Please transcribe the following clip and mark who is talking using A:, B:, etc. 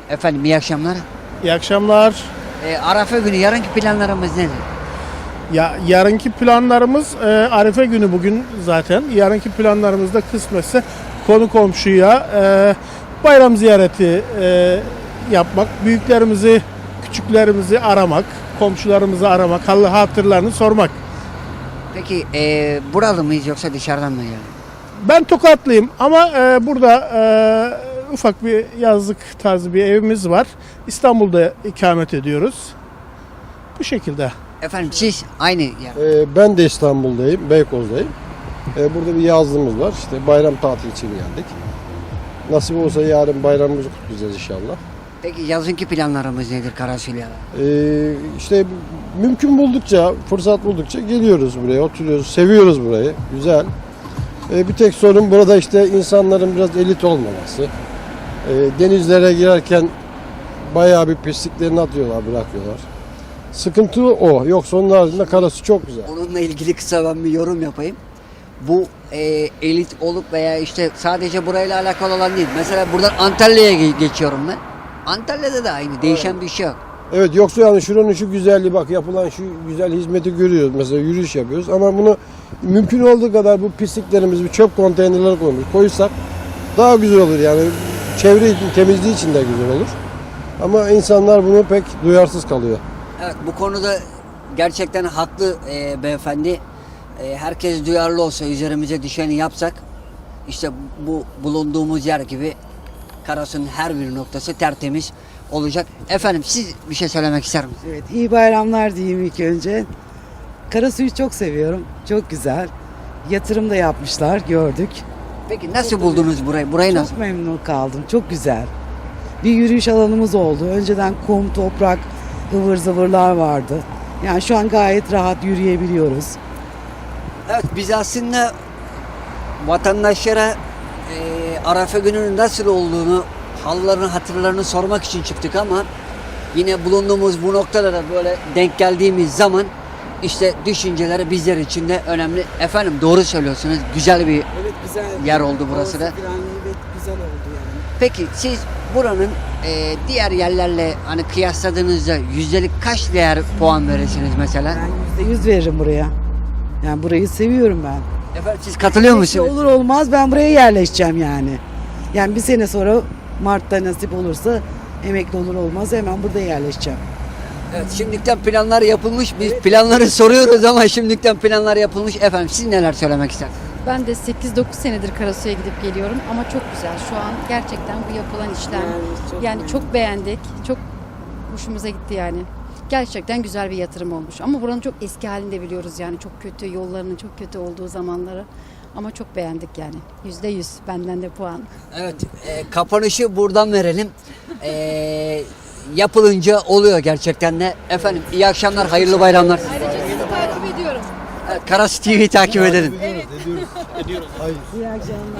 A: Efendim iyi akşamlar.
B: İyi akşamlar.
A: Arafa günü yarınki planlarımız nedir?
B: Ya yarınki planlarımız Arife günü bugün zaten. Yarınki planlarımızda kısmetse konu komşuya bayram ziyareti yapmak, büyüklerimizi, küçüklerimizi aramak, komşularımızı aramak, hal hatırlarını sormak.
A: Peki buralı mıyız yoksa dışarıdan mı yani?
B: Ben Tokatlıyım ama burada ufak bir yazlık tarzı bir evimiz var. İstanbul'da ikamet ediyoruz. Bu şekilde.
A: Efendim siz aynı yer.
C: Ben de İstanbul'dayım, Beykoz'dayım. Burada bir yazlığımız var. İşte bayram tatili için geldik. Nasip olsa yarın bayramımızı kutlayacağız inşallah.
A: Peki yazınki planlarımız nedir Karasulya'da?
C: İşte mümkün buldukça, fırsat buldukça geliyoruz buraya, oturuyoruz, seviyoruz burayı. Güzel. Bir tek sorun burada işte insanların biraz elit olmaması. Denizlere girerken bayağı bir pisliklerini atıyorlar, bırakıyorlar. Sıkıntı o. Yoksa onun haricinde karası çok güzel.
A: Onunla ilgili kısa ben bir yorum yapayım. Bu elit olup veya işte sadece burayla alakalı olan değil. Mesela buradan Antalya'ya geçiyorum ben. Antalya'da da aynı. Değişen bir şey yok.
C: Evet, yoksa yani şuranın şu güzelliği, bak yapılan şu güzel hizmeti görüyoruz. Mesela yürüyüş yapıyoruz ama bunu mümkün olduğu kadar bu pisliklerimizi bir çöp konteynerlere koysak daha güzel olur yani. Çevre için, temizliği için de güzel olur. Ama insanlar bunu pek duyarsız kalıyor.
A: Evet, bu konuda gerçekten haklı beyefendi. Herkes duyarlı olsa, üzerimize düşeni yapsak işte bu bulunduğumuz yer gibi Karasu'nun her bir noktası tertemiz olacak. Efendim siz bir şey söylemek ister misiniz?
D: Evet, iyi bayramlar diyeyim ilk önce. Karasu'yu çok seviyorum. Çok güzel. Yatırım da yapmışlar, gördük.
A: Peki nasıl buldunuz burayı? Burayı nasıl?
D: Çok memnun kaldım. Çok güzel. Bir yürüyüş alanımız oldu. Önceden kum, toprak, ıvır zıvırlar vardı. Yani şu an gayet rahat yürüyebiliyoruz.
A: Evet, biz aslında vatandaşlara Arafa gününün nasıl olduğunu, hallarını, hatırlarını sormak için çıktık ama yine bulunduğumuz bu noktada da böyle denk geldiğimiz zaman işte düşünceleri bizler için de önemli. Efendim doğru söylüyorsunuz. Güzel bir
D: Evet, güzel.
A: yer oldu burası da.
D: Evet, güzel oldu yani.
A: Peki siz buranın diğer yerlerle hani kıyasladığınızda yüzdelik kaç değer puan verirsiniz mesela?
D: Ben %100 veririm buraya. Yani burayı seviyorum ben.
A: Efendim siz katılıyor musunuz?
D: Olur olmaz ben buraya yerleşeceğim yani. Yani bir sene sonra Mart'ta nasip olursa emekli olur olmaz hemen burada yerleşeceğim.
A: Evet, şimdikten planlar yapılmış. Biz planları soruyoruz ama şimdikten planlar yapılmış. Efendim siz neler söylemek istersiniz?
E: Ben de 8-9 senedir Karasu'ya gidip geliyorum ama çok güzel. Şu an gerçekten bu yapılan işlem. Yani çok beğendik. Çok hoşumuza gitti yani. Gerçekten güzel bir yatırım olmuş. Ama buranın çok eski halini de biliyoruz yani. Çok kötü, yollarının çok kötü olduğu zamanları. Ama çok beğendik yani. %100 benden de puan.
A: Evet, kapanışı buradan verelim. Yapılınca oluyor gerçekten de. Efendim iyi akşamlar, hayırlı bayramlar.
E: Ayrıca sizi takip ediyorum.
A: Evet, Karasu TV'yi takip edelim.
D: İyi akşamlar.